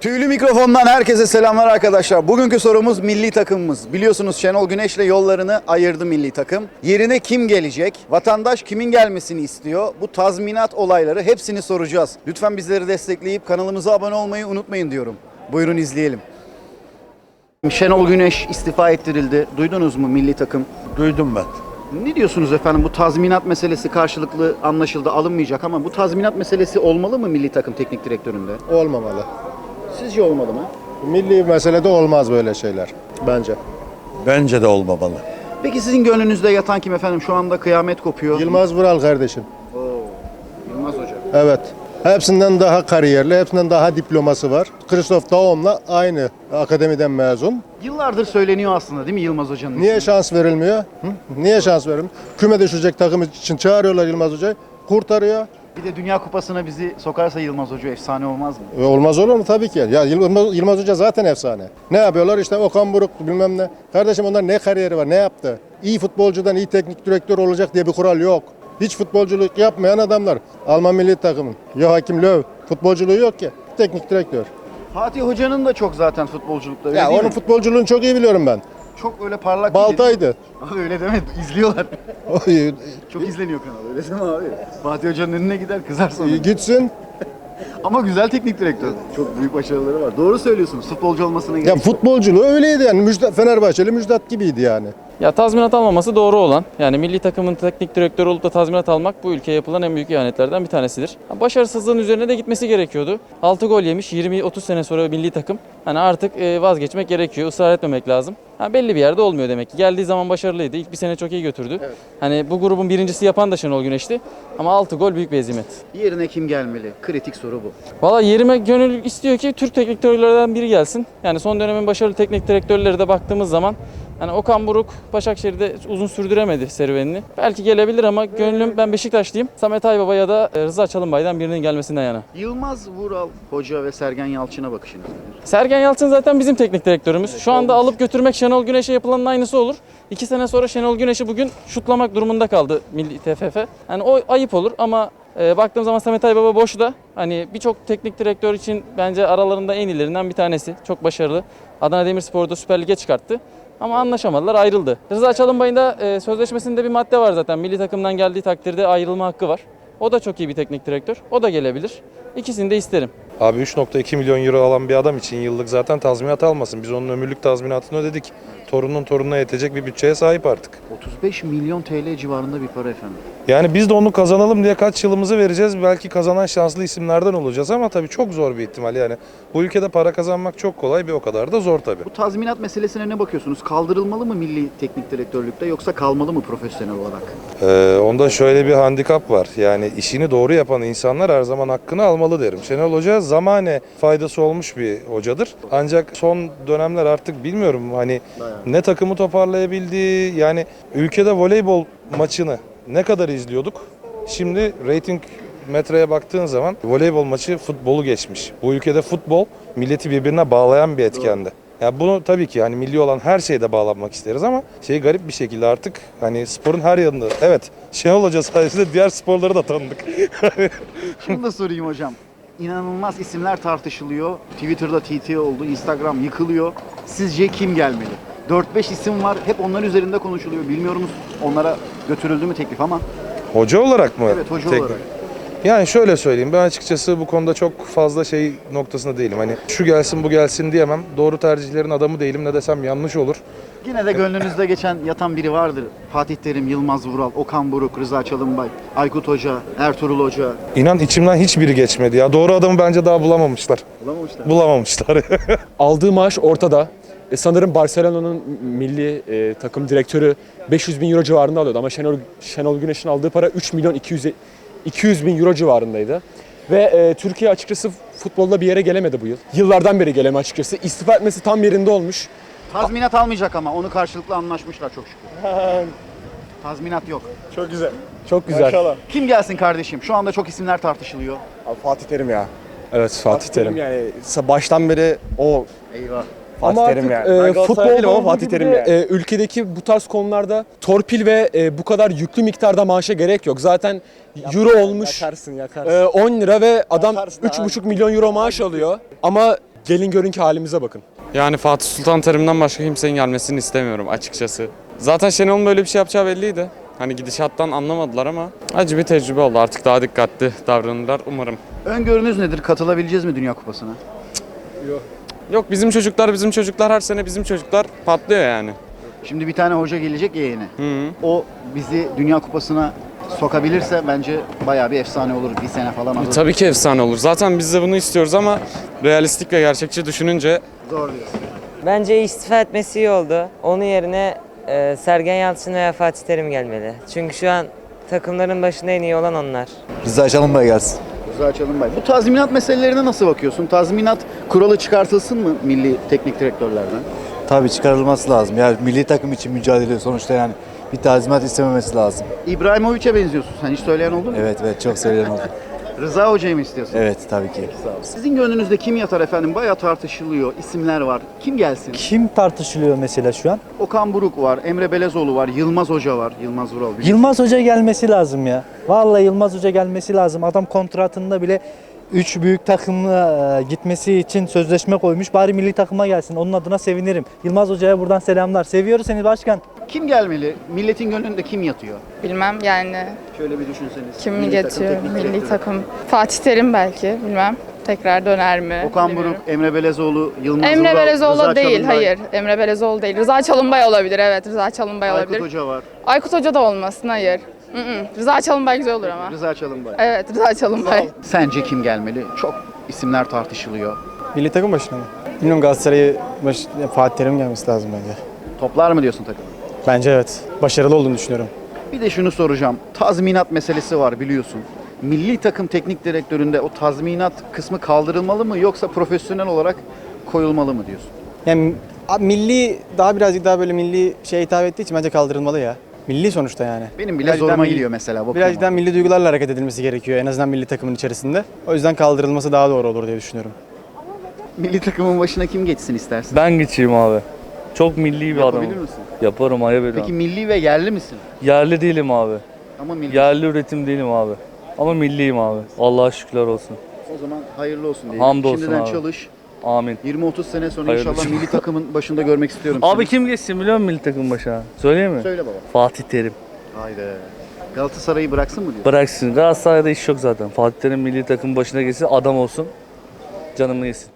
Tüylü mikrofondan herkese selamlar arkadaşlar. Bugünkü sorumuz milli takımımız. Biliyorsunuz Şenol Güneş'le yollarını ayırdı milli takım. Yerine kim gelecek? Vatandaş kimin gelmesini istiyor? Bu tazminat olayları hepsini soracağız. Lütfen bizleri destekleyip kanalımıza abone olmayı unutmayın diyorum. Buyurun izleyelim. Şenol Güneş istifa ettirildi. Duydunuz mu milli takım? Duydum ben. Ne diyorsunuz efendim? Bu tazminat meselesi karşılıklı anlaşıldı, alınmayacak ama bu tazminat meselesi olmalı mı milli takım teknik direktöründe? Olmamalı. Sizce olmalı mı? Milli meselede olmaz böyle şeyler bence. Bence de olmamalı. Peki sizin gönlünüzde yatan kim efendim? Şu anda kıyamet kopuyor. Yılmaz Vural kardeşim. Yılmaz Hoca. Evet. Hepsinden daha kariyerli, hepsinden daha diploması var. Christoph Daum'la aynı akademiden mezun. Yıllardır söyleniyor aslında değil mi Yılmaz Hoca'nın Niye ismi? şans verilmiyor? Hı? Niye şans verilmiyor? Küme düşecek takım için çağırıyorlar Yılmaz Hoca'yı. Kurtarıyor. Bir de Dünya Kupası'na bizi sokarsa Yılmaz Hoca efsane olmaz mı? Olmaz olur mu? Tabii ki. Ya Yılmaz Hoca zaten efsane. Ne yapıyorlar? İşte Okan Buruk bilmem ne. Kardeşim onlar ne kariyeri var? Ne yaptı? İyi futbolcudan iyi teknik direktör olacak diye bir kural yok. Hiç futbolculuk yapmayan adamlar. Alman milli takımın. Joachim Löw. Futbolculuğu yok ki. Teknik direktör. Fatih Hoca'nın da çok zaten futbolculukta öyle Ya değil onun mi? futbolculuğunu çok iyi biliyorum ben. Çok öyle parlak Baltaydı. değil. Abi öyle deme, izliyorlar. Çok izleniyor kanal, öyle deme abi. Fatih Hoca'nın önüne gider, kızar sonra. Gitsin. Ama güzel teknik direktör. Çok büyük başarıları var. Doğru söylüyorsunuz, futbolcu olmasına gerek Ya yok. futbolculuğu öyleydi yani. Fenerbahçeli Müjdat gibiydi yani. Ya tazminat almaması doğru olan. Yani milli takımın teknik direktörü olup da tazminat almak bu ülkeye yapılan en büyük ihanetlerden bir tanesidir. Başarısızlığın üzerine de gitmesi gerekiyordu. 6 gol yemiş, 20-30 sene sonra milli takım. Hani artık vazgeçmek gerekiyor, ısrar etmemek lazım. Belli bir yerde olmuyor demek ki. Geldiği zaman başarılıydı. İlk bir sene çok iyi götürdü. Evet. Hani bu grubun birincisi yapan da Şenol Güneş'ti. Ama 6 gol büyük bir hezimet. Yerine kim gelmeli? Kritik soru bu. Valla yerime gönül istiyor ki Türk teknik direktörlerden biri gelsin. Yani son dönemin başarılı teknik direktörleri de baktığımız zaman hani Okan Buruk Başakşehir'de uzun sürdüremedi serüvenini. Belki gelebilir ama gönlüm, ben Beşiktaşlıyım. Samet Aybaba ya da Rıza Çalınbay'dan birinin gelmesinden yana. Yılmaz Vural Hoca ve Sergen Yalçın'a bakışınız nedir? Sergen Yalçın zaten bizim teknik direktörümüz. Şu anda alıp götürmek Şenol Güneş'e yapılanın aynısı olur. 2 sene sonra Şenol Güneş'i bugün şutlamak durumunda kaldı Milli TFF. Yani o ayıp olur ama baktığım zaman Samet Aybaba boşta. Hani birçok teknik direktör için bence aralarında en iyilerinden bir tanesi. Çok başarılı. Adana Demirspor'u Süper Lig'e çıkarttı. Ama anlaşamadılar, ayrıldı. Rıza Çalınbay'ın da sözleşmesinde bir madde var zaten. Milli takımdan geldiği takdirde ayrılma hakkı var. O da çok iyi bir teknik direktör. O da gelebilir. İkisini de isterim. Abi 3,2 milyon euro alan bir adam için yıllık zaten tazminat almasın. Biz onun ömürlük tazminatını ödedik. Torunun torununa yetecek bir bütçeye sahip artık. 35 milyon TL civarında bir para efendim. Yani biz de onu kazanalım diye kaç yılımızı vereceğiz. Belki kazanan şanslı isimlerden olacağız ama tabii çok zor bir ihtimal yani. Bu ülkede para kazanmak çok kolay, bir o kadar da zor tabii. Bu tazminat meselesine ne bakıyorsunuz? Kaldırılmalı mı milli teknik direktörlükte yoksa kalmalı mı profesyonel olarak? Onda şöyle bir handikap var. Yani işini doğru yapan insanlar her zaman hakkını almalı derim. Şenol Hoca zamane faydası olmuş bir hocadır. Ancak son dönemler artık bilmiyorum hani ne takımı toparlayabildi. Yani ülkede voleybol maçını ne kadar izliyorduk? Şimdi reyting metreye baktığın zaman voleybol maçı futbolu geçmiş. Bu ülkede futbol milleti birbirine bağlayan bir etkendi. Ya bunu tabii ki hani milli olan her şeyde bağlanmak isteriz ama garip bir şekilde artık hani sporun her yanında. Evet, Şenol Hoca sayesinde diğer sporları da tanıdık. Şunu da sorayım hocam. İnanılmaz isimler tartışılıyor. Twitter'da TT oldu, Instagram yıkılıyor. Sizce kim gelmeli? 4-5 isim var. Hep onlar üzerinde konuşuluyor. Bilmiyoruz onlara götürüldü mü teklif ama. Hoca olarak mı? Evet, hoca olarak. Yani şöyle söyleyeyim, ben açıkçası bu konuda çok fazla noktasında değilim. Hani şu gelsin bu gelsin diyemem. Doğru tercihlerin adamı değilim, ne desem yanlış olur. Yine de gönlünüzde geçen yatan biri vardır. Fatih Terim, Yılmaz Vural, Okan Buruk, Rıza Çalınbay, Aykut Hoca, Ertuğrul Hoca. İnan içimden hiçbiri geçmedi ya. Doğru adamı bence daha bulamamışlar. Bulamamışlar. Aldığı maaş ortada. Sanırım Barcelona'nın milli takım direktörü 500 bin euro civarında alıyordu ama Şenol Güneş'in aldığı para 3 milyon 200 bin euro civarındaydı. Ve Türkiye açıkçası futbolda bir yere gelemedi bu yıl. Yıllardan beri geleme açıkçası. İstifa etmesi tam yerinde olmuş. Tazminat almayacak ama onu karşılıklı anlaşmışlar çok şükür. Tazminat yok. Çok güzel. Çok güzel. Maşallah. Kim gelsin kardeşim? Şu anda çok isimler tartışılıyor. Abi Fatih Terim ya. Evet, Fatih Terim. Yani baştan beri o Eyvah. Fatih Ama Terim artık yani. Ben Galatasaraylı futbolda değilim ama olduğu Fatih gibi Terim de, yani. ülkedeki bu tarz konularda torpil ve bu kadar yüklü miktarda maaşa gerek yok. Zaten euro olmuş Yakarsın. 10 lira ve adam Yakarsın 3,5 milyon euro maaş alıyor. Ama Gelin görün ki halimize bakın. Yani Fatih Sultan Terim'den başka kimsenin gelmesini istemiyorum açıkçası. Zaten Şenol'un böyle bir şey yapacağı belliydi. Hani gidişattan anlamadılar ama acı bir tecrübe oldu. Artık daha dikkatli davranırlar umarım. Öngörünüz nedir? Katılabileceğiz mi Dünya Kupası'na? Yok bizim çocuklar her sene bizim çocuklar patlıyor yani. Şimdi bir tane hoca gelecek ya yeni. Hı. O bizi Dünya Kupası'na sokabilirse bence bayağı bir efsane olur. Bir sene falan alır. Tabii ki efsane olur. Zaten biz de bunu istiyoruz ama realistik ve gerçekçi düşününce Zor diyorsun. Bence istifa etmesi iyi oldu. Onun yerine Sergen Yalçın veya Fatih Terim gelmeli. Çünkü şu an takımların başında en iyi olan onlar. Rıza Çalınbay gelsin. Rıza Çalınbay. Bu tazminat meselelerine nasıl bakıyorsun? Tazminat kuralı çıkartılsın mı milli teknik direktörlerden? Tabii çıkarılması lazım. Ya milli takım için mücadele ediyor sonuçta yani. Bir tazminat istememesi lazım. İbrahimovic'e benziyorsun. Sen hiç söyleyen oldu mu? Evet çok söyleyen oldu. Rıza Hoca'yı mı istiyorsun? Evet tabii ki. Sağ ol. Sizin gönlünüzde kim yatar efendim? Bayağı tartışılıyor. İsimler var. Kim gelsin? Kim tartışılıyor mesela şu an? Okan Buruk var, Emre Belezoğlu var, Yılmaz Hoca var. Yılmaz Vural. biliyorsun. Yılmaz Hoca gelmesi lazım ya. Vallahi Yılmaz Hoca gelmesi lazım. Adam kontratında bile 3 büyük takımla gitmesi için sözleşme koymuş. Bari milli takıma gelsin. Onun adına sevinirim. Yılmaz Hoca'ya buradan selamlar. Seviyoruz seni başkan. Kim gelmeli? Milletin gönlünde kim yatıyor? Bilmem yani Şöyle bir düşünseniz. kim Milli takım geçiyor teknik milli direktörü. takım. Fatih Terim belki bilmem. Tekrar döner mi? Okan bilmiyorum. Buruk, Emre Belezoğlu, Yılmaz Emre Vural, Belezoğlu Rıza değil, Çalınbay, hayır. Emre Belezoğlu değil. Rıza Çalınbay olabilir, evet. Rıza Çalınbay Aykut olabilir. Hoca var. Aykut Hoca da olmasın, hayır. Rıza Çalınbay güzel olur ama. Rıza Çalınbay. Evet, Rıza Çalınbay. Sence kim gelmeli? Çok isimler tartışılıyor. Milli takım başına mı? Bilmiyorum, Galatasaray'ı Fatih Terim gelmesi lazım bence. Toplar mı diyorsun takım? Bence evet. Başarılı olduğunu düşünüyorum. Bir de şunu soracağım. Tazminat meselesi var biliyorsun. Milli takım teknik direktöründe o tazminat kısmı kaldırılmalı mı yoksa profesyonel olarak koyulmalı mı diyorsun? Yani milli birazcık daha böyle milli şeye hitap ettiği için bence kaldırılmalı ya. Milli sonuçta yani. Benim bile Birazcık daha zoruma milli- gidiyor mesela. bakıyorum Birazcık daha ona. milli duygularla hareket edilmesi gerekiyor en azından milli takımın içerisinde. O yüzden kaldırılması daha doğru olur diye düşünüyorum. Milli takımın başına kim geçsin istersin? Ben geçeyim abi. Çok milli bir adamım. Yapabilir misin? Yaparım, ayıp ediyorum. Peki milli ve yerli misin? Yerli değilim abi. Ama milli. Yerli üretim değilim abi. Ama milliyim abi. Allah'a şükürler olsun. O zaman hayırlı olsun diyelim. Hamdolsun Şimdiden abi. çalış. Amin. 20-30 sene sonra Hayırlı inşallah olsun. milli takımın başında görmek istiyorum Abi seni. kim geçsin biliyor musun milli takım başına? Söyleyeyim mi? Söyle baba. Fatih Terim. Haydi. Galatasaray'ı bıraksın mı diyor? Bıraksın. Galatasaray'da iş yok zaten. Fatih Terim milli takım başına geçsin, adam olsun. Canımı yesin.